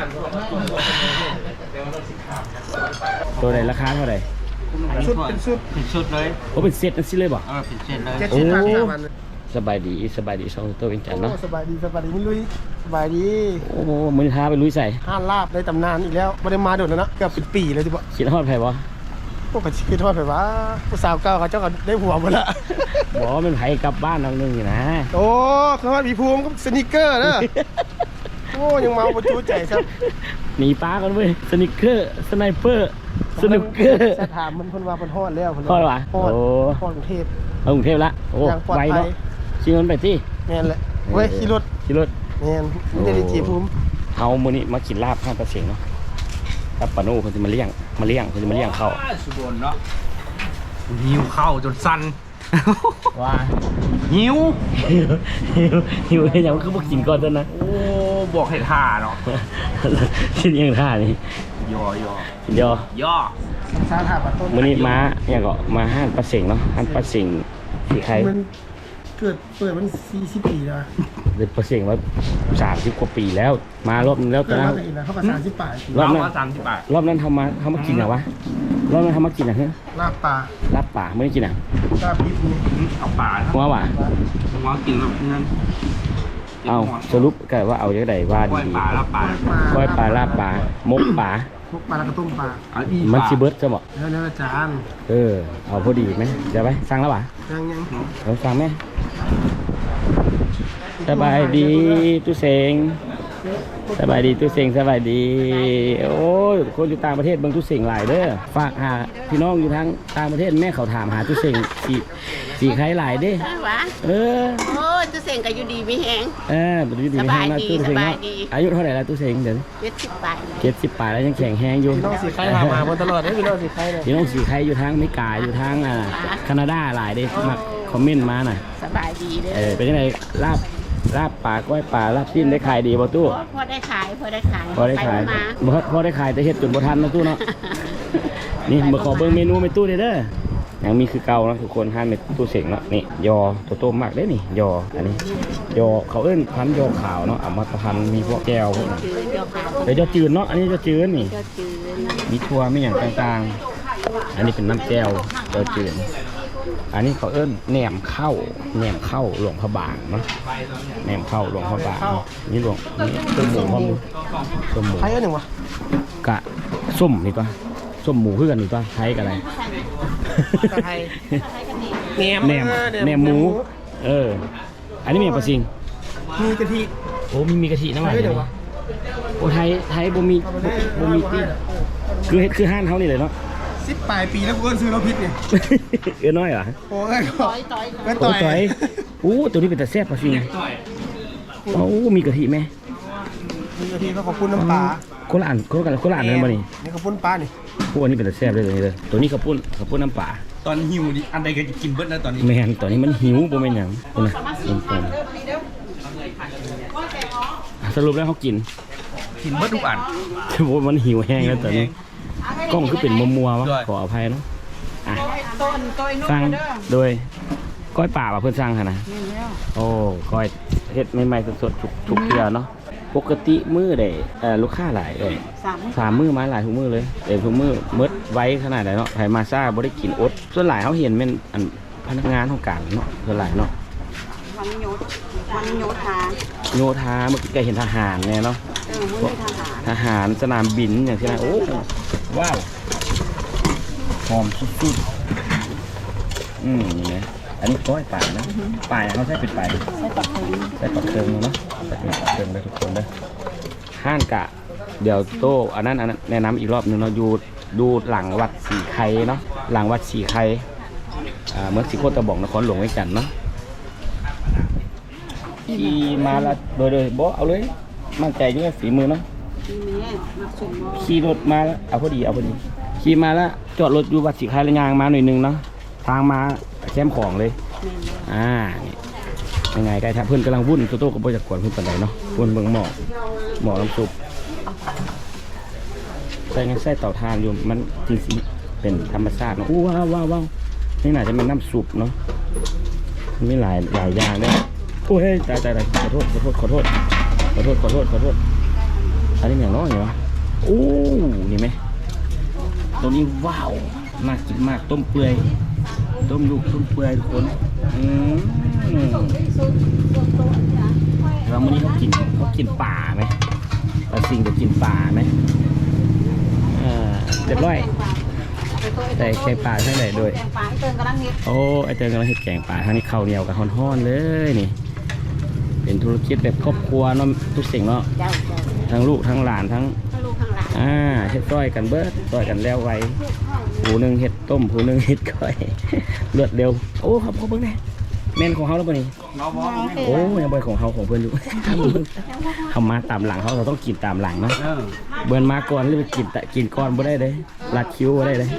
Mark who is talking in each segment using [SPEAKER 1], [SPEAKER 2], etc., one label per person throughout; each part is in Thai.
[SPEAKER 1] ตัวไหนราคาเท่าไหร่
[SPEAKER 2] ชุดเป็นชุดเลย
[SPEAKER 1] โอ้เป็นเซตนั่นสิเลยบ่
[SPEAKER 2] เป็นเซตเลย
[SPEAKER 1] สบายดีสองตัวเป็นจันเนาะ
[SPEAKER 3] สบายดีมึงลุยสบายดี
[SPEAKER 1] โอ้โหมึงท้าไปลุยใส่
[SPEAKER 3] ห้านลาบได้ตำนานอีกแล้วไม่ได้มาโดดแล้วนะเกือบ10 ปีเลยที่บอก
[SPEAKER 1] คิดฮอดไผ่บ่
[SPEAKER 3] พวกกระชิดทอดไผ่วะผู้สาวเก่าเขาเจ้าก็ได้ผัวหมดละ
[SPEAKER 1] บอกว่ามันไผ่กลับบ้านน้องนึงอยู่นะ
[SPEAKER 3] โอ้เขาว่ามีภูมิก็สนิเกอร์นะโอ้ยังเมาประจูใจครับ
[SPEAKER 1] หนีป้ากันเว้ยสนิเกอร์สไนเปอร์สนุกเกอร์
[SPEAKER 3] ถามมันว่ามันฮอดแล้ว
[SPEAKER 1] ฮอดวะ
[SPEAKER 3] โอ้ฮอดกรุงเทพ
[SPEAKER 1] กรุงเทพละโอ้ไวเนาะชิงเงินไปที่
[SPEAKER 3] แม่นแหละเว้ยขี่รถแม่นไม่ได้จีภูมิ
[SPEAKER 1] เอามื้อนี้มากินลาบ5%เนาะกับปาโน่เขาจะมาเลี้ยงเขาจะมาเลี้ยงเข้า
[SPEAKER 2] สุดเนาะหิวเข้าจนสั่น
[SPEAKER 1] ว่า
[SPEAKER 2] หิว
[SPEAKER 1] อย่างคือพวกกินก่อนต้นนะ
[SPEAKER 2] โอ้บอกให้ท่าเนาะ
[SPEAKER 1] ชิ้นยังท่านี่ย่
[SPEAKER 3] ซาถาปะต้น
[SPEAKER 1] มื้อนี้มาอย่างก็มาห้านปลาเส็งเนาะห้านปลาเส็งสีใคร
[SPEAKER 3] มันเปิดมัน40 ปีแล้ว
[SPEAKER 1] เด็กปลาเส็งว่า30 กว่าปีแล้วมารอบนึงแล้วตอนนั้น
[SPEAKER 3] เขามา30 ปี
[SPEAKER 1] รอบนั้นเขามากินอะวะรอบนั้นเขามากินอะเฮ้ย
[SPEAKER 3] ลาบป่า
[SPEAKER 1] ไม่ได้กินอะ
[SPEAKER 3] ลาบดิบ
[SPEAKER 2] เอาป่า
[SPEAKER 1] ว่า
[SPEAKER 2] กินแบบนั้น
[SPEAKER 1] เอาสรุปกันว่าเอาอย่างไรว่าดีก้อยปลาลาบปลามกปลา
[SPEAKER 3] แล้วก็ต้มปลา
[SPEAKER 1] มันชิเบิร์ตจะบอก
[SPEAKER 3] แล้วอาจารย์
[SPEAKER 1] เอาพอดีไหมเดี๋ยวไปสั่งแล้วป่ะ
[SPEAKER 3] ยัง
[SPEAKER 1] เราสั่งไหมสบายดีตู้เสงสบายดีตู้เสงสบายดีโอ้ยคนอยู่ต่างประเทศบางตู้เสงหลายเด้อฝากหาพี่น้องอยู่ทางต่างประเทศแม่เขาถามหาตู้เสงสีใครหลายเด้
[SPEAKER 4] โอ้ตู้เสงก็อยู่ดีไม่แห้ง
[SPEAKER 1] อยู่ดีไม่แห้งนะตู้เสงอายุเท่าไหร่แล้วตู้เสงเดี๋ยว70 ปลายแล้วยังแข็งแห้งอยู่
[SPEAKER 3] พี่น้องสีใครถามมาตลอดเลยพี่น้องสีใครเลย
[SPEAKER 1] พี่น้องสีใครอยู่ทางอเมริกาอยู่ทางแคนาดาหลายเด้มาคอมเมนต์มาหน่อย
[SPEAKER 4] สบายดีเด้
[SPEAKER 1] เป็นยังไงลาบปลาก้อยปลาลาบชิ้นได้ขายดีบ่ตู้
[SPEAKER 4] พอได้ขายพอได้ข
[SPEAKER 1] ายแต่เฮ็ดจนบ่ทันนะตู้เนาะนี่มาขอเบิ่งเมนูในตู้เด้อยังมีคือเก่านะทุกคนห้ามในตู้เสงเนาะนี่ยอโตๆมากได้นี่ยออันนี้ยอเขาเอิ้นพันยอขาวเนาะเอามาพันมีพวกแก้วพวกนั้นแต่ยอจืดเนาะอันนี้ยอจืดนี่มีทั่วมีอย่างต่างๆอันนี้เป็นน้ำแก้วยอจืดอันนี้เขาเอิ้นแหนมเข้าหลวงพระบางเนาะแหนมเข้าหลวงพระบางนี่หลวงนี่ต้มหมูพร้อมต้มหมู
[SPEAKER 3] ใครอันหนึ่งวะ
[SPEAKER 1] กะส้มนี่ปะส้มหมูคือกันนี่ปะไทยกับอะไรแหนมหมูอันนี้มีปลาซิง
[SPEAKER 3] มีกะทิ
[SPEAKER 1] โอ้มีกะทิน้ำมันโอ้ไทยบ่มีที่คือห้านเขานี่เลยเนาะ
[SPEAKER 3] 10 ปลายปีแล้วกูซื้อรถพิษเนี่ย
[SPEAKER 1] น้อยเหรอ
[SPEAKER 3] โอ้ย
[SPEAKER 1] ต่อยตัวนี้เป็นแต่แซ่บปลาซิงโอ้มีกะทิไหม
[SPEAKER 3] มีกะทิก็ขอบคุณน้ำปลา
[SPEAKER 1] คนละอันนั่นบ่นี่
[SPEAKER 3] ขอบคุณปลานี่
[SPEAKER 1] พวกนี้เป็นแต่แซ่บเลยตัวนี้ขอบคุณน้ำปลา
[SPEAKER 2] ตอนหิวดิอันใดก็จะกินเบิดนะตอนนี้
[SPEAKER 1] แม่นตอนนี้มันหิวบ่แม่นหยังนะสรุปแล้วเขากิน
[SPEAKER 2] เบิดทุกอัน
[SPEAKER 1] โอ้มันหิวแห้งแล้วตอนนี้กล้องคือเป็นมัวๆวะขออภัยเนาะสั่งโดยก้อยป่าเพื่อนสั่งค่ะนะโอ้ก้อยเฮ็ดใหม่ๆสดๆทุกเดือนเนาะปกติมื้อได้ลูกค้าหลายเลย3 มื้อมาหลายทุกมื้อเลยทุกมื้อมืดไว้ขนาดไหนเนาะไผมาซ่าบ่ได้กินอดส่วนหลายเขาเห็นเป็นพนักงานของการเนาะส่วนหลายเนาะ
[SPEAKER 4] วันโย
[SPEAKER 1] ธาเมื่อกี้ก็เห็นทหารเนี่ยเนาะทหารสนามบินอย่างที่นั่นโอ้ว้าวหอมสุดๆนี่นะอันนี้ก้อยป่านะป่าเขาใช้เป็นป่าใช้ปักเติงเนาะใช้ปักเติงเลยทุกคนเลยห้านกะเดี๋ยวโตอันนั้นแนะนำอีกรอบนึงเราดูหลังวัดสีไข่เนาะหลังวัดสีไข่เมืองสีโคตรบอกนครหลวงไว้กันเนาะขี่มาละโดยบอกเอาเลยมั่นใจด้วยฝีมือเนาะขี่รถมาแล้วเอาพอดีขี่มาแล้วจอดรถอยู่วัดสีไข่ระยางมาหน่อยนึงเนาะทางมาแคมป์ของเลยยังไงไกด์เพื่อนกำลังวุ่นโต้กับโปรจักรกวนเพื่อนปันไหนเนาะวุ่นเบิ่งหมอกน้ำซุปใส่ไส้เต่าทานอยู่มันจริงๆเป็นธรรมชาติเนาะว้าวนี่น่าจะเป็นน้ำซุปเนาะมีหลายอย่างเนี่ยโอ้ยตายขอโทษอันนี้อย่างน้อยเหรอโอ้นี่ไหมตัวนี้ว้าวมากกินมากต้มเปื่อยต้มลูกต้มเปื่อยทุกคนแล้ววันนี้เขากินป่าไหมปลาซิงจะกินป่าไหมเรียบร้อยใส่แกงป่าใช่ไหมด้วย
[SPEAKER 4] แกงปลาไอ้เติงกำลังเฮ็ด
[SPEAKER 1] โอ้ไอเติงกำลังเห็ดแกงป่าทางนี้ข้าวเหนียวกับฮ้อนๆเลยนี่เป็นธุรกิจแบบครอบครัวเนาะทุกสิ่งเนาะ
[SPEAKER 4] เจ้า
[SPEAKER 1] ทั้งลูกทั้งหลานทั้ง
[SPEAKER 4] ลูกข้างหลัง
[SPEAKER 1] เฮ็ดก้อยกันเบิดก้อยกันแล้วไวผู้หนึ่งเฮ็ดต้มผู้หนึ่งเฮ็ดก้อย เลือดเร็วโอ้ครับเขาเบิ่งแน่แม่นของเขาแล้วป่ะนี่โอ้ยังบ่ของเขาของเพื่อนอยู่ เขามาตามหลังเขาต้องกินตามหลังเนาะเบิ่นมาก่อนหรือไปกินก่อนบ่ได้เลยลัดคิ้วบ่ได้เลย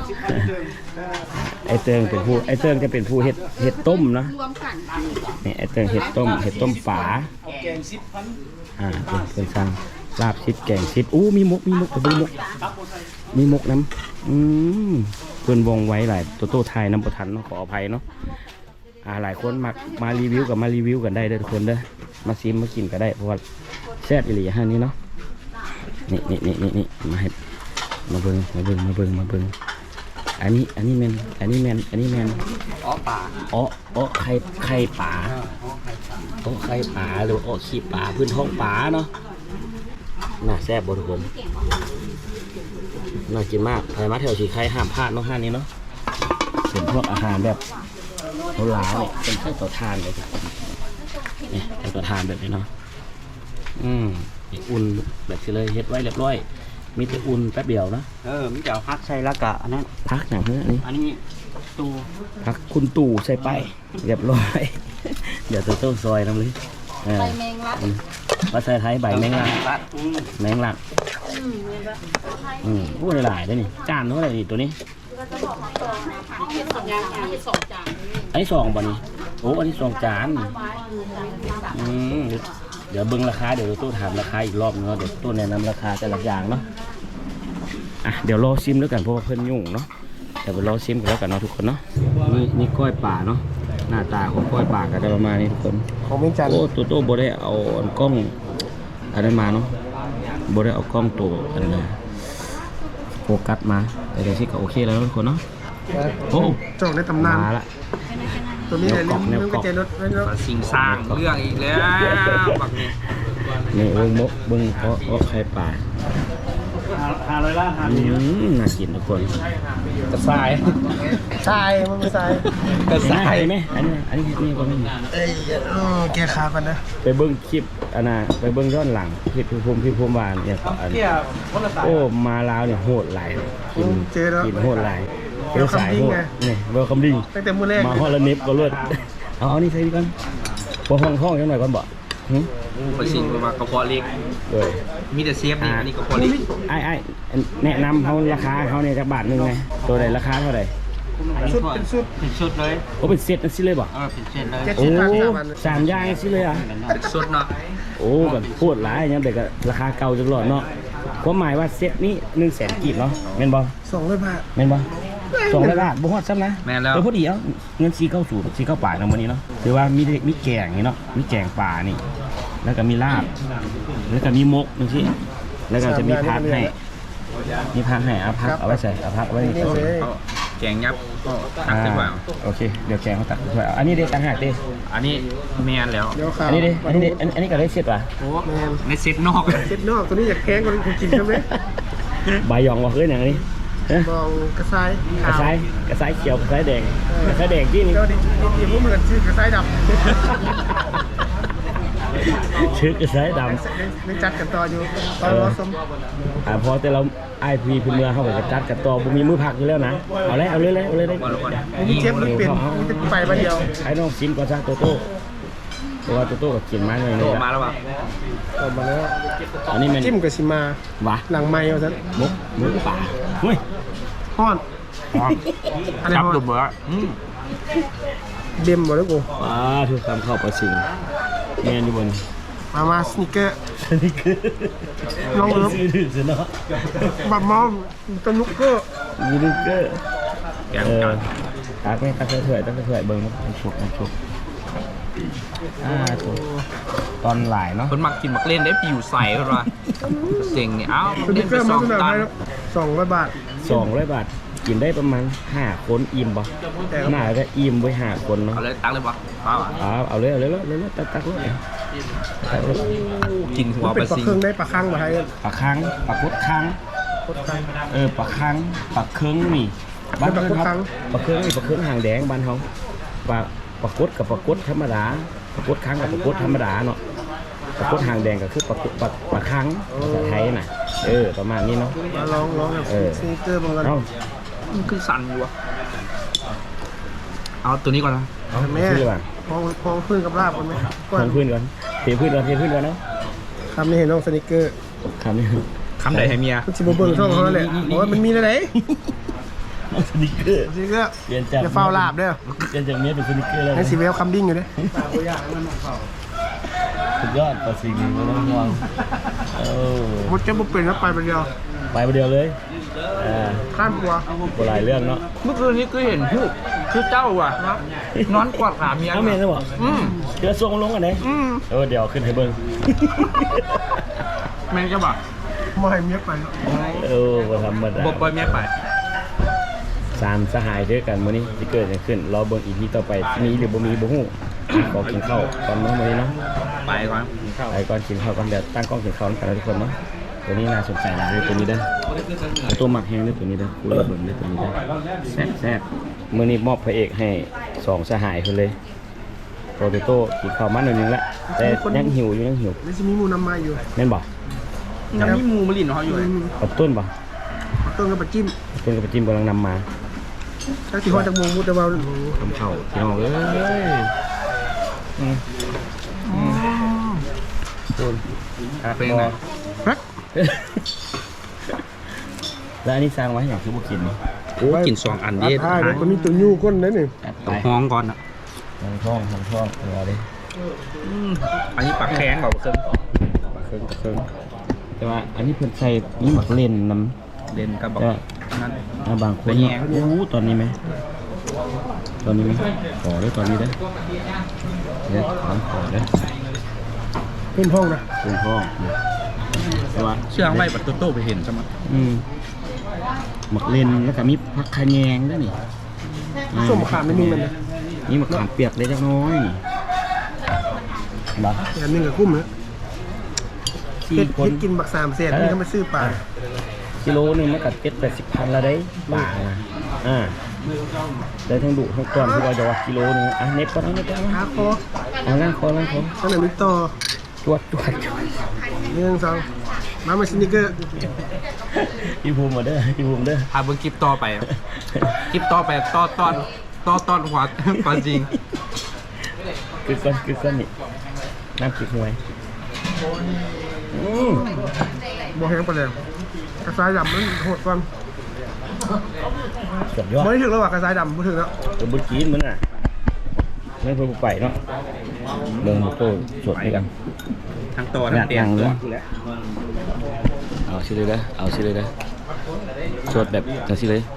[SPEAKER 1] ไอเติงจะเป็นผู้เฮ็ดต้มเนาะ
[SPEAKER 4] รวมกัน
[SPEAKER 1] นี่ไอเติงเห็ดต้มฝาเป็นสั่งลาบชิดแกงชิดมีมกมีมกน้ำเพื่อนวงไว้หลายโต้ไทยน้ำประทันเนาะขออภัยเนาะหลายคนมารีวิวกับมารีวิวกันได้เด้อทุกคนเด้อมาซิมมากินก็ได้เพราะว่าแซ่บอีหลีฮะนี่เนาะนี่มาเบิ่งอันนี้แมน
[SPEAKER 2] อ๋อป่า
[SPEAKER 1] ไข่ป่าไข่ป่าหรือขี้ป่าพื้นท้องป่าเนาะน่าแซ่บบ่ทุกคนน่ากินมากใครมาแถวสีไข่ห้ามพลาดเนาะห้านนี้เนาะเป็นพวกอาหารแบบโบราณเนี่ยเป็นไข่ต่อทานเลยนี่ไข่ต่อทานแบบนี้เนาะอุ่นแบบที่เลยเฮ็ดไว้เรียบร้อยมีแต่อุ่นแป๊บเดียวนะ
[SPEAKER 2] มีแต่พักใส่ละกะอันนั้น
[SPEAKER 1] พักหนังเนื้ออันนี้
[SPEAKER 2] ตู
[SPEAKER 1] พักคุณตู่ใส่ไปเรียบร้อยเดี๋ยวตัวซอยน้ำเลย
[SPEAKER 4] ใบแมงลัก
[SPEAKER 1] ภาษาไทยใบแมงลักพูดหลายได้นี่จานเท่าไหร่นี่ตัวนี้อันนี้2บ่นี่โอ้อันนี้2จานเดี๋ยวเบิ้งราคาเดี๋ยวตู้ถามราคาอีกรอบนึงเดี๋ยวตู้แนะนำราคาแต่ละอย่างเนาะเดี๋ยวรอซิมแล้วกันเพราะว่าเพิ่นยุ่งเนาะเดี๋ยวไปรอซิมกันแล้วกันเนาะทุกคนเนาะนี่ก้อยป่าเนาะหน้าตาของก้อยป่าก็ได้ประมาณนี้ทุกคน
[SPEAKER 3] ของเมืองจันทร์
[SPEAKER 1] โอ้ตัวโตโบได้เอากล้องอันนั้นมาเนาะโบได้เอากล้องตัวอันนั้นโฟกัสมาแต่เดี๋ยวที่ก็โอเคแล้วทุกคนเนาะโอ้
[SPEAKER 3] จอกในตำนาน
[SPEAKER 1] มาละ
[SPEAKER 3] ตัวนี้ลืมกระเจรถ
[SPEAKER 2] สิ่งสร้างเรื่องอีกแล้วแบบนี้
[SPEAKER 1] นี่เบิ้งเพราะไข่ป่า
[SPEAKER 2] 500 ล้าน
[SPEAKER 1] น่ากินทุกคน
[SPEAKER 2] กระสาย
[SPEAKER 3] มันกระสาย
[SPEAKER 1] ไหมอันนี้นี่ก็ไม่มี
[SPEAKER 3] แกขากันนะ
[SPEAKER 1] ไปเบิ้งคลิปไปเบิ้งย้อนหลังคลิปพี่ภูมิวานเนี่ยโอ้มาลาวเนี่ยโหดหลายกินโหดหลายเป็นสายโหดนี่เบอร์คำดิ้ง
[SPEAKER 3] ตั้งแต่มื้อแรก
[SPEAKER 1] มาฮอลเน็บก็เลือดเอานี่ใส่ดีก่อนพอห้องยังหน่อยก่อนบ่
[SPEAKER 2] ไปสิ่งมากระเพาะเล็ก
[SPEAKER 1] เลย
[SPEAKER 2] มีแต่เซฟนี่อันนี้กระเพาะเล็ก
[SPEAKER 1] แนะนำเขาราคาเขาเนี่ยจากบาทนึงไงตัวไหนราคาเท่าไหร่
[SPEAKER 3] เป็นชุด
[SPEAKER 2] เลย
[SPEAKER 1] โอ้เป็นเซตนั่นสิเลยบ่
[SPEAKER 2] เป็นเซตเลย
[SPEAKER 1] โอ้3 อย่างสิเลย
[SPEAKER 2] เป็นชุดเนาะ
[SPEAKER 1] โอ้แบบพูดหลายอย่างแต่ก็ราคาเก่าจังหลอดเนาะความหมายว่าเซตนี้100,000 กีบเนาะแม่นบ่
[SPEAKER 3] 200 บาท
[SPEAKER 1] แม่นบ่200 บาทบ่ฮอดซ้ำนะ
[SPEAKER 2] แม่นแล้ว
[SPEAKER 1] พอดีเอาเงิน490ป่าในวันนี้เนาะคือว่ามีแกงนี่เนาะมีแกงป่านี่แล้วก็มีลาบแล้วก็มีมกนี่สิแล้วก็จะมีผักให้เอาผักเอาไว้ใส่เอาผักไว้
[SPEAKER 2] แกงยับตักขึ้นมา
[SPEAKER 1] โอเคเดี๋ยวแกงเขาตักขึ้นมาอันนี้เด็ดต่างหากดิ
[SPEAKER 2] อันนี้แมนแล้ว
[SPEAKER 1] อันนี้ก็ได้เสร็จป่ะ
[SPEAKER 2] โอ้แมนในเซตนอก
[SPEAKER 3] ตัวนี้อยากแกงกันคุณกินใช่ไหม
[SPEAKER 1] ใบยองว่าเฮ้ยอย่างนี้
[SPEAKER 3] บองกระไซ
[SPEAKER 1] เขียวกระไซแดงที่นี่
[SPEAKER 3] พวกเหมือนชื่อกระไซดำ
[SPEAKER 1] ชื่อกระไซดำ
[SPEAKER 3] ไม่จัดกันต่ออยู่ตอนรอสม
[SPEAKER 1] พอแต่เราไอพีเมืองเขาบอกจะจัดกันต่อบุมีมือผักอยู่แล้วนะเอาเลยได้
[SPEAKER 3] มีเชฟมันเป็นมันจะไปมาเดียว
[SPEAKER 1] ไอ้น้องซิมก่อนซะโตโต้ตัวโตโต้กับกินมาเลย
[SPEAKER 2] เนี่ยมาแล้วป่ะ
[SPEAKER 3] มาแล้ว
[SPEAKER 1] อันนี้มัน
[SPEAKER 3] จิ้มกับซิมาวะหลังไม้เอาซะ
[SPEAKER 1] มุกป่าเฮ้ย
[SPEAKER 3] ฮ้อน
[SPEAKER 2] จับตัวเบอร์
[SPEAKER 3] เด็มหมดแล้วกู
[SPEAKER 1] ทุกคำเข้าประสิงแมนอยู่บน
[SPEAKER 3] มาสนิเกอร์น้องเอิร์ฟบัตรมอมตนุกเกอร์
[SPEAKER 1] ตักไม่ตักเถื่อยเบิ้งชุบถูกตอนหลายเนาะ
[SPEAKER 2] คนมักกินมักเล่นได้ผิวใสกันว่ะเจ๋งเนี่ยเอ้า
[SPEAKER 3] สนิ
[SPEAKER 2] เล่น
[SPEAKER 3] เก
[SPEAKER 2] ไป
[SPEAKER 3] อร์
[SPEAKER 2] ส
[SPEAKER 3] มา
[SPEAKER 2] อง
[SPEAKER 3] เสนอ
[SPEAKER 2] ตัน
[SPEAKER 3] ให้200 บาท
[SPEAKER 1] 200 บาทกินได้ประมาณ5 คนอิ่มบ่น่าจะอิ่มไว้5 คนเนาะ
[SPEAKER 2] เอาเลยตักเลยปะป้า
[SPEAKER 1] เอาเลยตักเลย
[SPEAKER 2] กินหัว
[SPEAKER 3] เป็
[SPEAKER 2] ป
[SPEAKER 3] น
[SPEAKER 2] ลา
[SPEAKER 3] ปลา
[SPEAKER 2] ซิง
[SPEAKER 3] เครื่องได้ปลาคังมาให้
[SPEAKER 1] ปลาคังปลากดคังปลาคังปลาเคืองนี่บ้านเพิ่นครับปลาเคืองนี่ปลาเคืองหางแดงบ้านเฮาปลากดกับปลากดธรรมดาปลากดคังกับปลากดธรรมดาเนาะปลากดหางแดงก็คือปลาคังภาษาไทยน่ะประมาณนี้เนาะ
[SPEAKER 3] มาลองแบบสนิเกอร์บางกัน
[SPEAKER 1] เอ้า
[SPEAKER 2] มันคือสั่นอยู่วะเอาตัวนี้ก่อนนะ
[SPEAKER 3] แม่
[SPEAKER 1] ชื่อว่า
[SPEAKER 3] พองพื้นกับลาบกันไหม
[SPEAKER 1] ทางพื้นก่อนเทพื้นก่อนเนาะ
[SPEAKER 3] คำนี้เห็นน้องสนิเกอร์
[SPEAKER 1] คำนี้
[SPEAKER 2] คำใดให้เมีย
[SPEAKER 3] มันสิบเบิ้งช่องเขาแหละเพราะว่ามันมีอะไร
[SPEAKER 1] สนิเกอร์
[SPEAKER 3] สนิเกอร์
[SPEAKER 1] เปลี่ยนจาก
[SPEAKER 3] จะเฝ้าลาบเด้อ
[SPEAKER 1] เปลี่ยนจากเมียเป็นสนิเกอร์แล้ว
[SPEAKER 3] ให้สีเวลคัมดิ้งอยู่เด้
[SPEAKER 1] สุดยอดปลาซิงไม่ต้องห่วง
[SPEAKER 3] มดจะบุกเป็นแล้วไปไปเดียว
[SPEAKER 1] ไปประเดียวเลย
[SPEAKER 3] ข้ามตัว
[SPEAKER 1] โบราณเรื่องเนาะ
[SPEAKER 2] เมื่อคืนนี้คือเห็นผู้คือเจ้าว่ะนอนกอดขาเมีย
[SPEAKER 1] เอาเมนจะบอกเดี๋ยวส่งลงกันไหนเดี๋ยวขึ้นให้เบิ้ง
[SPEAKER 2] แม่งจะบอก
[SPEAKER 3] มาให้เมียไป
[SPEAKER 1] บ่ธรรมดา
[SPEAKER 2] บอกปล่อยเมียไป
[SPEAKER 1] 3สหายด้วยกันมื้อนี้ที่เกิดขึ้นรอเบิ้งอีพีต่อไปมีหรือบ่มีบ่ฮู้ขอกินข้าวตอนมื้อนี้เนาะ
[SPEAKER 2] ไปก่อนกินข้าว
[SPEAKER 1] ไปก่อนกินข้าวก่อนเดี๋ยวตั้งกล้องกินข้าวกันนะทุกคนเนาะตัวนี้น่าสนใจนะตัวนี้เด้อตัวหมักแห้งด้วยตัวนี้เด้อกูเลยเบิ่งด้วยตัวนี้เด้อแซ่บมื้อนี้มอบพระเอกให้2สหายเพิ่นเลยโปรโตกินข้าวมาหน่อยนึงละแต่ยังหิวอยู่ยังหิว
[SPEAKER 3] นี่จะมีมูน้ำมาอยู่
[SPEAKER 1] แม่นบ่
[SPEAKER 2] ยังมีหมูมะลินของเขาอยู่เลย
[SPEAKER 1] กับต้นบ่
[SPEAKER 3] ต้นกับปลาจิ้ม
[SPEAKER 1] ต้นกับจิ้มกำลังนำมา
[SPEAKER 3] ถ้าที่ห้อจากมูมุดแต่ว่า
[SPEAKER 1] ทำข้าวพี่น้องเอ้ยต้น
[SPEAKER 2] เป็นไง
[SPEAKER 1] แล้วอันนี้สร้างไว้อย่างคือบุกิน
[SPEAKER 2] โอ้กิน2 อันเด็ด
[SPEAKER 3] ใช่มันมีตัวยูก้นนั่นนี่
[SPEAKER 2] ต้องห้องก่อนนะ
[SPEAKER 1] ทำช่องรอดิ
[SPEAKER 2] อันนี้ปลาแข้งบอกเพิ่ม
[SPEAKER 1] เครื่องแต่ว่าอันนี้เพิ่นใส่นี่หมักเล่นน้
[SPEAKER 2] เล่นกับบอกนั้น
[SPEAKER 1] ำบางคนตอนนี้ไหมขอด้วยตอนนี้ได้เนี่ยขอได้
[SPEAKER 3] เพิ่มห้องนะ
[SPEAKER 1] เป็นพ่อแต่ว่า
[SPEAKER 2] เชื่องไว้ปัดโต้ไปเห็นใช่ไหม
[SPEAKER 1] หมักเล่นแล้วก็มีผักขะแยงด้วยนี่
[SPEAKER 3] ส้มขาไม่มีมันนะ
[SPEAKER 1] นี่มะขามเปียกเล็กน้อยนี่บัก
[SPEAKER 3] อย่างนึงกับกุ้มนะ
[SPEAKER 1] สี่
[SPEAKER 3] เฮ็ด
[SPEAKER 1] คน
[SPEAKER 3] กินบัก3 เศษนี่ก็มาซื้อปลา
[SPEAKER 1] กิโลหนึงมันกัด70-80 พันละได้ป่านะได้ทั้งดุทั้งก้อนที่ว่าจะว่ากิโลหนึงเน็บก่อน
[SPEAKER 3] หาคอ
[SPEAKER 1] ล่างคอ
[SPEAKER 3] ตั้งแต่มิต่อ
[SPEAKER 1] จวด
[SPEAKER 3] 1 2มาสนิเกอร์
[SPEAKER 1] พี่ภูมิมาเด้อพี่ภูมิเด้อ
[SPEAKER 2] พาเบิ้งคลิปต่อไปคลิปต่อไปตอนหัวปลาจริง
[SPEAKER 1] คือก้อนนี่น้ำจิกหวย
[SPEAKER 3] บ่แห้งปลาแดงกระสายดำมันโหดกว่า
[SPEAKER 1] สุดยอด
[SPEAKER 3] บ่ได้ถึงแล้วว่ากระสายดำบ่ถึงแล้ว
[SPEAKER 1] ตัวบุจีนมันไม่เพิ่งไปเนาะเบิ่งโตสดด้วยกัน
[SPEAKER 2] ทั้งตัวทั้งเตียงตัว
[SPEAKER 1] เอาสิเลยนะสดแบบจังสิเลย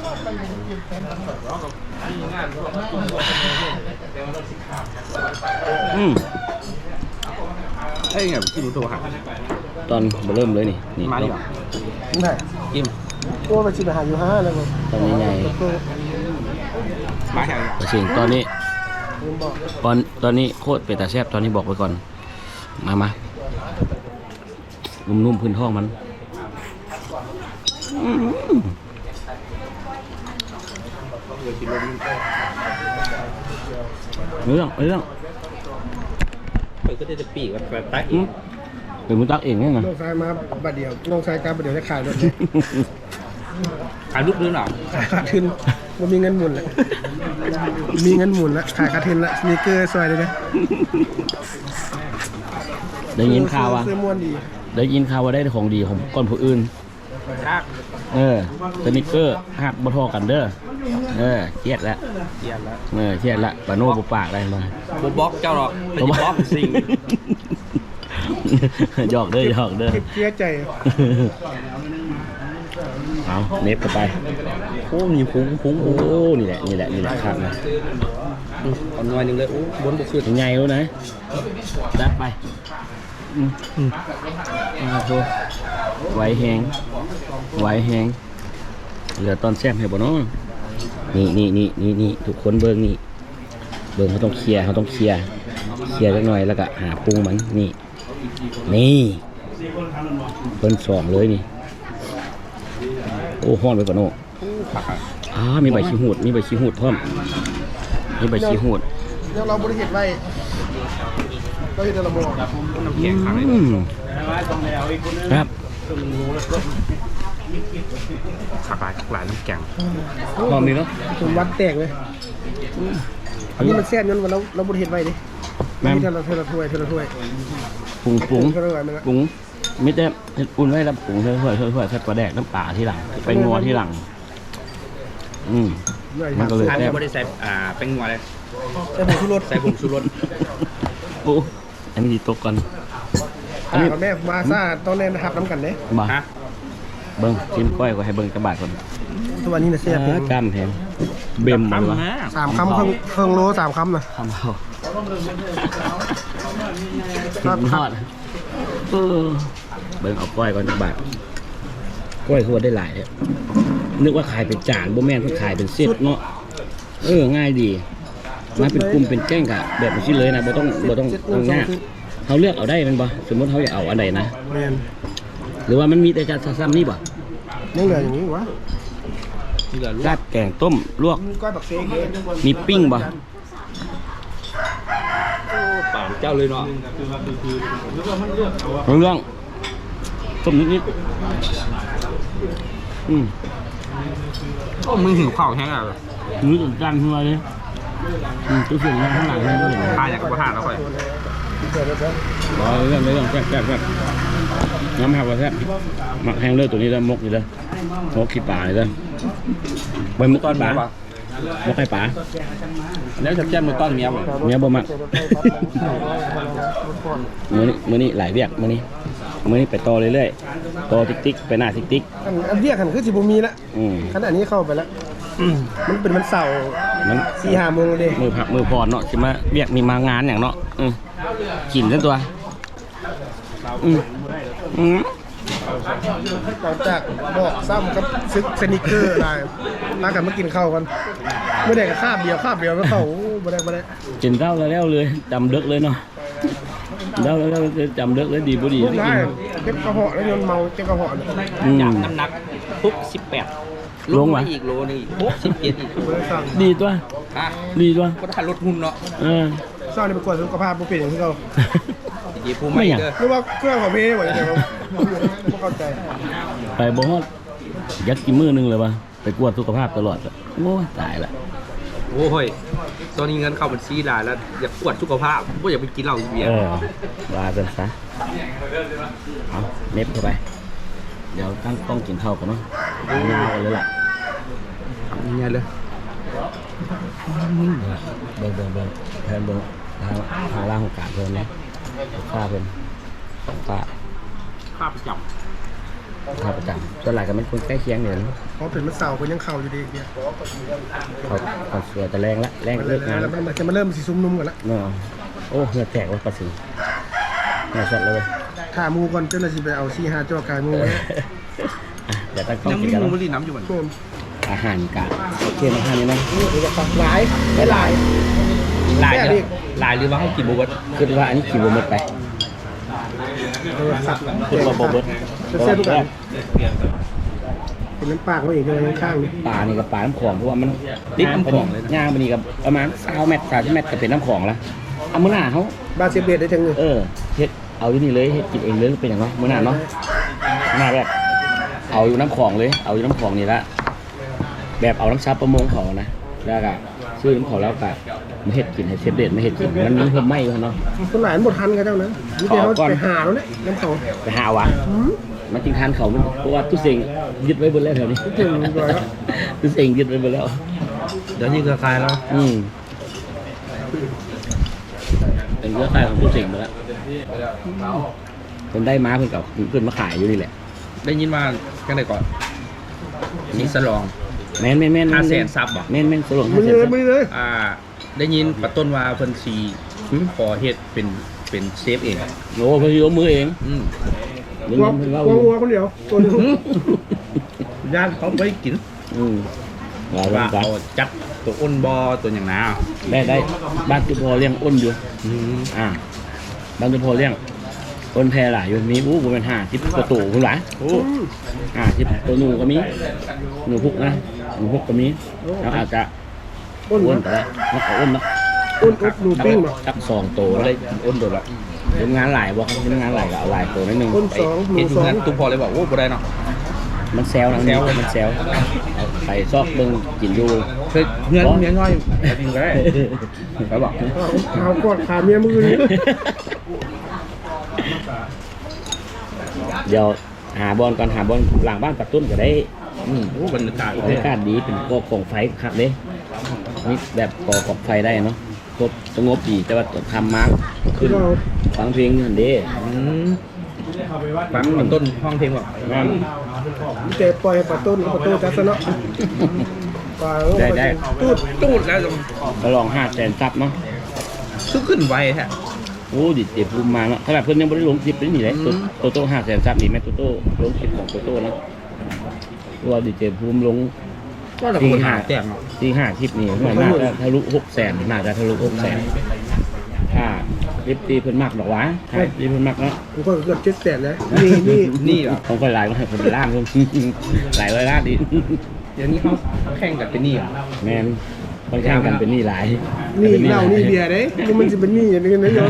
[SPEAKER 2] ไอ้เงี้ยกินตัวหัก
[SPEAKER 1] ตอนเริ่มเลยนี่
[SPEAKER 2] มาดิ
[SPEAKER 3] ได้
[SPEAKER 2] กิน
[SPEAKER 3] ตัวไปสิไปหาอยู่5แล้วบ่
[SPEAKER 1] ตอนนี้ไง
[SPEAKER 2] มาแข่ง
[SPEAKER 1] สิ่งตอนนี้ตอนนี้โคตรเป็ดตาแซ่บตอนนี้บอกไว้ก่อนมานุ่มๆพื้นท้องมันเรื่อง
[SPEAKER 2] เปิดก็จะปีกแบบตัก
[SPEAKER 1] เป็นมุตักเองไงนะ
[SPEAKER 3] น้องชายมาบัดเดียวน้องชายกลับบัดเดียวจะขายรถเลย
[SPEAKER 2] ขายลูกดื้อหรอ
[SPEAKER 3] ขายขาดทุนบ่มีเงินหมุนแล้วมีเงินหมุนแล้วขายขาดทุนแล้วสนิเกอร์ซอยเลยนะ
[SPEAKER 1] ได้ยินข่าวว่า
[SPEAKER 3] ซื้อม่วนดี
[SPEAKER 1] ได้ยินข่าวว่าได้ของดีของก้อนผู้อื่น
[SPEAKER 2] ชัก
[SPEAKER 1] สนิเกอร์หักบ่ทอกันเด้อเครียดแล้ว
[SPEAKER 2] เกียร์แล้ว
[SPEAKER 1] เครียดละปาโน่บุปากอะไรมา
[SPEAKER 2] บล็อกเจ้าหรอกเป็นบล็อกสิ่ง
[SPEAKER 1] หยอกเด้อ
[SPEAKER 3] เก็บเสียใจ
[SPEAKER 1] เอาเน็บเข้าไปโอ้มีพุงโอ้นี่แหละครับนะ
[SPEAKER 2] เอาหน่อยหนึงเลยโอ้บนบุกขึ้น
[SPEAKER 1] ใหญ่แล้วนะจัดไปโอ้ไหวแหงเหลือตอนแซ่บให้บ่เนาะนี่ทุกคนเบิ่งเขาต้องเคลียร์จักหน่อยแล้วก็หาปรุงมันนี่เพิ่นสองเลยนี่โอ้ฮ้อนไปก่อนโน่มีใบขี้หูดพร้อมมีใบขี้หูด
[SPEAKER 3] เดี๋ยวเราบริเหตุไว้เราเห็นระบบ
[SPEAKER 2] น้ำแข็งขังเลย
[SPEAKER 1] ครับ
[SPEAKER 2] ขักหลายน้ำแข็ง
[SPEAKER 1] พร้อมดีเนาะ
[SPEAKER 3] ผมวัดแตกเลยอันนี้มันแซ่บงั้นวันเราบริเหตุไว้ดิไม่ใช่เธอละถ้วย
[SPEAKER 1] ปรุง
[SPEAKER 3] เธอละถ้วยมันละ
[SPEAKER 1] ปรุงมิแต่อุ่นไว้แล้วปรุงเพื่อใส่ปลาแดกน้ำปลาที่หลังไปงัวที่หลังมันก็เลย
[SPEAKER 2] อัน
[SPEAKER 1] แซ่
[SPEAKER 2] นี้
[SPEAKER 1] บ
[SPEAKER 2] ไม่ได้ใส่เป็นงัวเลย
[SPEAKER 3] ใส่ผงชูรส
[SPEAKER 2] ใส่ผงชูรส
[SPEAKER 1] โอ้อันนี้ดีตกก่อนอัน
[SPEAKER 3] อ่า
[SPEAKER 1] นี้
[SPEAKER 3] กับแม่มาซ่าต้องเล่นนะครับน้ำกันเด้
[SPEAKER 1] บ่
[SPEAKER 2] ฮะ
[SPEAKER 1] เบิ้งจิ้มก้อยก็ให้เบิ้งกระบาดก่อน
[SPEAKER 3] ทุกวันนี้นะแซ่บ
[SPEAKER 1] กล้ามแพงเบิ่มมันวะ
[SPEAKER 3] 3 คำเครื่องโล3 คำนะ
[SPEAKER 1] ทำเอาสุดยอดเบิ้งเอาก้อยก่อนกระบาดก้อยคือว่าได้หลายเนี่ยนึกว่าขายเป็นจานบ่แม่นก็ขายเป็นเซตเนาะง่ายดีมาเป็นกลุ่มเป็นแก้งกะแบบนี้เลยนะบ่ต้องเอาง่ายเขาเลือกเอาได้มันบ่สมมติเขาอยากเอาอันใดนะ
[SPEAKER 3] แม่น
[SPEAKER 1] หรือว่ามันมีแต่จานซ้ำนี่บ่
[SPEAKER 3] ยังเหลืออย่างนี้วะ
[SPEAKER 2] เหลือลูก
[SPEAKER 1] ราดแกงต้มลวก
[SPEAKER 3] ก้อยบักเซ่เอง
[SPEAKER 1] มีปิ้งบ่
[SPEAKER 2] เปล่าเจ้าเลยเนาะ
[SPEAKER 1] เรื่องต้มนิดๆ
[SPEAKER 2] โอ้มึงหิวข้าวแห้งอ่ะ
[SPEAKER 1] นื้อจนจานขึ้นมาเลยตัวเสียงข้างหลังเห็นด้วย
[SPEAKER 2] พาอยากกับพาแล้วค่อย
[SPEAKER 1] เรื่องแซ่บน้ำหักว่าแซ่บหมักแห้งเลยตัวนี้แล้วมกอยู่เลยมกขี้ป่าเลยเลยใบมกต้อนป่ามกไข่ป่า
[SPEAKER 2] แล้วจะแจ้มมือต้อนเมียบ่
[SPEAKER 1] เมียบ่มักมื้อนี้หลายเวียกมื้อนี้ไปต่อเรื่อยๆต่อติ๊กไปหน้าติ๊ก
[SPEAKER 3] อันเรียกกันคือสิบ่มีละ ขณะนี้เข้าไปแล้วมันเป็นวันเสาร์
[SPEAKER 1] มัน
[SPEAKER 3] 4-5 โมงเลย
[SPEAKER 1] มือผักมือพรเนาะใช่ไหมเวียกมีมางานอย่างเนาะกินซะตัว
[SPEAKER 3] หลังจากบอกซ้ำกับซึกสนิเกอร์ได้ลากันมากินข้าวกันไม่ได้กับคาบเดียวไม่เข้าไม่ได้
[SPEAKER 1] กินข้าวแล้วเลยจำเด็กเลยเนาะแล้วจำเด็กเลยดีบ่ดี
[SPEAKER 3] พูดได้เก็บกระเหาะแล้วยนเมาเก็บกระเหาะเนี่ย
[SPEAKER 2] จากน้ำหนักปุ๊บ18ลงมาอีกโลนึงอีก17อีก
[SPEAKER 1] ดีตัว
[SPEAKER 2] อ่ะ
[SPEAKER 1] ดีตัว
[SPEAKER 2] ก็ถ้าลดหุ่นเนาะ
[SPEAKER 3] เศร้าในประกวดสุขภาพผู้เป็นอย่างที่เขา
[SPEAKER 2] ยีผู้ไม่เด้อ
[SPEAKER 3] หรือว่าเครื่องของพี่หมดเลยครับไม่เข้าใจ
[SPEAKER 1] ไปบ่ฮอดยักกี่มื้อนึงเลยป่ะไปกวดสุขภาพตลอดโอ้ตายละ
[SPEAKER 2] โอ้ยตอนนี้เงินเข้าบัญชีได้แล้วอยากปวดสุขภาพบ่อยากไปกินเหล้าเบียร์
[SPEAKER 1] ว่ากันซะเอาเน็บเข้าไปเดี๋ยวตั้งกล้องกินข้าวกันเนาะยาวเลยล่ะ
[SPEAKER 2] ยังไงเลย
[SPEAKER 1] เบิ่งแทนเบิ่งทางล่างของกาดเพิ่นนะค่าเพิ่นค่า
[SPEAKER 2] ข้าประจ
[SPEAKER 1] ค่าประจำส่วนหลายก็เป็นคนใกล้เคียงเนี่ย
[SPEAKER 3] เพราะเป็นมันเสาร์คนยังเข่าอยู่ดีเนี่ย
[SPEAKER 1] เขาเสือจะแรงละแรงเลิกงาน
[SPEAKER 3] แล้วมันจะมาเริ่มสีซุ่มนุ่มกันละ
[SPEAKER 1] เนาะโอ้เหงื่อแตกว่ะปลาสีเหงื่อสดเลย
[SPEAKER 3] ถ้ามูก่อนเจ้าหน้าที่ไปเอา4-5จ่อกายมูไว้
[SPEAKER 1] เดี๋ยวตั้งกล้
[SPEAKER 2] ำ
[SPEAKER 1] อง
[SPEAKER 2] ยัง
[SPEAKER 1] กิน
[SPEAKER 2] มี
[SPEAKER 1] กัน
[SPEAKER 2] มู
[SPEAKER 1] เนาะ
[SPEAKER 2] ลลีน้ำอยู่เหมือน
[SPEAKER 3] เพิ่ม
[SPEAKER 1] อาหารกาดโอเคอาหารนี้นะ
[SPEAKER 3] หลาย
[SPEAKER 2] ลายลายหรือว่าเขากินบุบ
[SPEAKER 1] คือว่าอันนี้ขี่บมดไป
[SPEAKER 3] สัตว์
[SPEAKER 1] คือว่าบมด
[SPEAKER 3] เส้นทุกอันเป็นน้ำปากเขาอีกเลยข้างนี้
[SPEAKER 1] ปลานี่กับปลาน้ำของเพราะว่ามันติดน้ำของย่างไปนี่กับประมาณ20 เมตร30 เมตรก็เป็นน้ำของแล้วเอามื้อหน้าเขา
[SPEAKER 3] บาเซเบียได้จังเลย
[SPEAKER 1] เฮ็ดเอาอยู่นี่เลยเฮ็ดกินเองเลยเป็นอย่างเนาะมื้อหน้าเนาะหน้าแบบเอาอยู่น้ำของเลยเอาอยู่น้ำของนี่ละแบบเอาน้ำซับประมงเขานะแล้วก็ซื้อน้ำของแล้วก็มาเฮ็ดกินให้เชฟเด็ดมาเฮ็ดกินมันมีเพิ่มไหมอยู่เนาะ
[SPEAKER 3] คนหลายหมดทันกันเจ้านะนี่เดี๋ยวเขาไปหาแล้วเนี่ยน้ำเขา
[SPEAKER 1] ไปหาวะมันจริงทานเขามันเพราะว่าตู้เสงยึดไว้บนแล้วแถวนี้
[SPEAKER 3] ถึงร้อยแล้ว
[SPEAKER 1] ตู้เสงยึดไว้บนแล้ว
[SPEAKER 2] เดี๋ยวนี้เครือข่ายแล้ว
[SPEAKER 1] เป็นเรื่องใต้ของตู้เสงมาแล้วคนได้ม้าเพิ่นกับเพิ่นมาขายอยู่นี่แหละ
[SPEAKER 2] ได้ยินมากันไหนก่อนสีสลอง
[SPEAKER 1] แม่น
[SPEAKER 2] 500,000ซับบ่
[SPEAKER 1] แม่นสลง
[SPEAKER 3] มือเลยมือเลย
[SPEAKER 2] ได้ยินปะต้นว่าเพิ่นสิขอเฮ็ดเป็นเชฟเอง
[SPEAKER 1] โอ้เพนยกมือเอง
[SPEAKER 2] อืม
[SPEAKER 1] นี่
[SPEAKER 3] วัว
[SPEAKER 1] เพิ่นว่า
[SPEAKER 3] วัวคนเดียวตัวนึง
[SPEAKER 2] ย่านเขาไม่กิน
[SPEAKER 1] ว่า
[SPEAKER 2] ว่า
[SPEAKER 1] ว่า
[SPEAKER 2] เอาจัดตัวอ้นบอตัวอย่างน้า
[SPEAKER 1] ได้บ้านตุพอเลี้ยงอ้นอยู่บ้านตุพอเลี้ยงอ้นแพรหลายอยู่มีบ่เป็น50ประตูพุ่นหลาย50ตัวหนูก็มีหนูพุกนะหนูพุกก็มีแล้วอาจจะ
[SPEAKER 3] อ้น
[SPEAKER 1] อ้นก็ได้อ้นเนาะ
[SPEAKER 3] อ้นอบหนูปิ้งมา
[SPEAKER 1] จัก2ตัวเลยอ้นโดดละทำงานหลายบ่ทำงานหลายก็เอาหลายตัวนิดนึง
[SPEAKER 3] อ้น2หนู
[SPEAKER 2] เห็น
[SPEAKER 3] 2
[SPEAKER 2] งั้นตุ้มพอเลยบอกโอ้บ่ได้เนาะ
[SPEAKER 1] มันแซวนะมันแซวเอาไปซอกเบิ่งกินอยู่
[SPEAKER 2] เคยเงินเมียน้อยจริงก็ได้เขาบอก
[SPEAKER 3] เอากอดขาเมียมือนี้
[SPEAKER 1] เดี๋ยวหาบอลก่อนหาบอลหลังบ้านปัดตุ้นก็ได้
[SPEAKER 2] โอ้บรรยากาศ
[SPEAKER 1] บรรยากาศดีเป็นกองไฟคักเด้นี่แบบก่อกองไฟได้เนาะครบสงบดีแต่ว่าทำมาขึ้นฟังเพลงนี่เด้
[SPEAKER 2] ฟังมันต้นห้องเพลงบอก
[SPEAKER 1] งาม
[SPEAKER 3] เจ็บปล่อยให้ปลาต้นปลาต้นจัดซะเนาะปลา
[SPEAKER 1] ได้
[SPEAKER 2] ตูดแล้ว
[SPEAKER 1] ก็ลอง500,000ซับเนาะ
[SPEAKER 2] คือขึ้นไวแท้
[SPEAKER 1] โอ้ดิเจ็บภูมิมาเนาะขนาดเพิ่นยังบ่ได้ลงคลิปเลยนี่เลยโตโต้500,000ซับนี่แม่โตโต้ลงคลิปของโตโต้เนาะตัวดิเจ็บภูมิลง
[SPEAKER 2] ก็จะคนหาแต่ง
[SPEAKER 1] ที่5คลิปนี่น่าจะทะลุ600,000น่าจะทะลุ600,000ถ้าคลิปตีเพิ่นมักดอกหวะถ้าตีเพิ่นมักเนาะ
[SPEAKER 3] ผมก็เกือบ700,000แล้วนี่
[SPEAKER 2] เหรอ
[SPEAKER 1] ของคนหลายคนเป็นล้านluôn หลายร้อยล้านดิ
[SPEAKER 2] เดี๋ยวนี้เขาแข่งกันเป็นนี่เหรอ
[SPEAKER 1] แมนค่อนข้างกันเป็นหนี้หลาย
[SPEAKER 3] นี่เหล้านี่เบียร์เด้มันสิเป็นนี่อย่างนี้นะโยม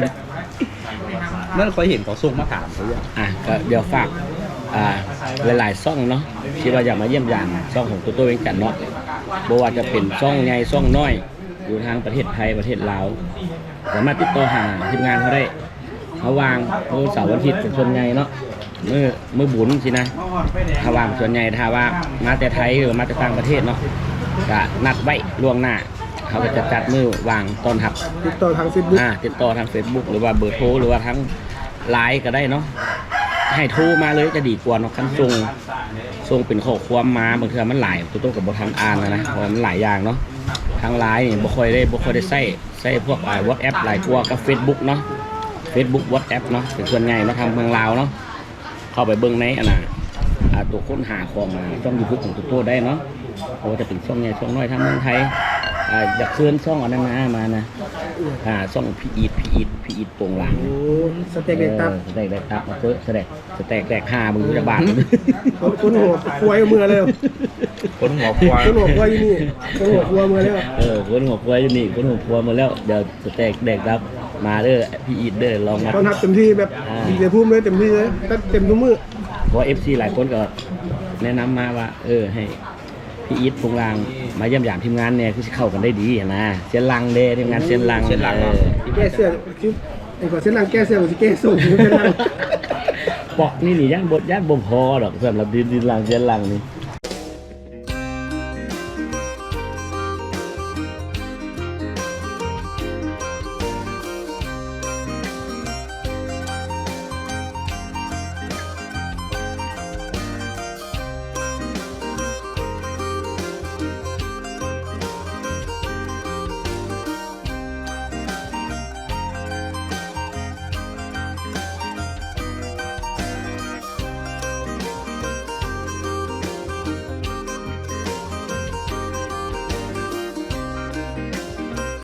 [SPEAKER 2] นั่นเคยเห็นเขาส่งมาถามเขาอย่าง
[SPEAKER 1] ก็เดี๋ยวฝากหลายๆซ่องเนาะที่ว่าอยากมาเยี่ยมยามซ่องของตัวเองกันเนาะบ่ว่าจะเป็นซ่องใหญ่ซ่องน้อยอยู่ทางประเทศไทยประเทศลาวสามารถติดต่อหาทีมงานเขาได้เขาวางมื้อเสาร์วันอาทิตย์เป็นส่วนใหญ่เนาะมื้อบุญสินะถ้าวางส่วนใหญ่ถ้าว่ามาแต่ไทยหรือมาแต่ต่างประเทศเนาะก็นัดไว้ล่วงหน้าเขาก็จะจัดมื้อวางต้อนรับ
[SPEAKER 3] ติดต่อทาง Facebook
[SPEAKER 1] ติดต่อทาง Facebook หรือว่าเบอร์โทรหรือว่าทั้งไลน์ก็ได้เนาะให้โทรมาเลยจะดีกว่าเนาะคันส่งเป็นข้อความมาบางทีมันหลายตัวกับบ่ทันอ่านนะเพราะมันหลายอย่างเนาะทางไลน์นี่บ่ค่อยได้ใช้พวกWhatsApp หลายกว่ากับ Facebook เนาะ Facebook WhatsApp เนาะเป็นส่วนใหญ่เนาะทางเมืองลาวเนาะเข้าไปเบิ่งในตัวค้นหาของช่อง YouTube ของตัวโตได้เนาะเพราะว่าจะเป็นช่องใหญ่ช่องน้อยทางเมืองไทยอยากเชิญช่องอันนั้นมานะช่องพีอีทโป่งหลัง
[SPEAKER 3] โอ้สเต็กเด็กตับ
[SPEAKER 1] สเต็กแดกตับมาเจอสเต็กแดก5มึงจะบาท
[SPEAKER 3] คนหัวควายมือเลย
[SPEAKER 2] คนหัวควาย
[SPEAKER 3] คนหัวควายอยู่นี่คนหัวควายมือเลย
[SPEAKER 1] คนหัวควายอยู่นี่คนหัวควายมาแล้วเดี๋ยวสเต็กแดกตับมาเด้อพีอีทเด้อลองมา
[SPEAKER 3] ตอนทับเต็มที่แบบดีใจพุ่มเลยเต็มที่เลยเต็มทุกมือ
[SPEAKER 1] เพราะ FC หลายคนก็แนะนำมาว่าให้พี่อีทพงรางมาเยี่ยมยามทีมงานเนี่ยคือเข้ากันได้ดีนะเส้นลังเด้ทีมงานเส้นลัง
[SPEAKER 3] แก้เสื้อคือไอ้ก่อนเส้นลังแก้เสื้อมันจะแก้สูงเส้นลัง
[SPEAKER 1] ปอกนี่ย่านบ่พอดอกสำหรับดินลังเส้นลังนี่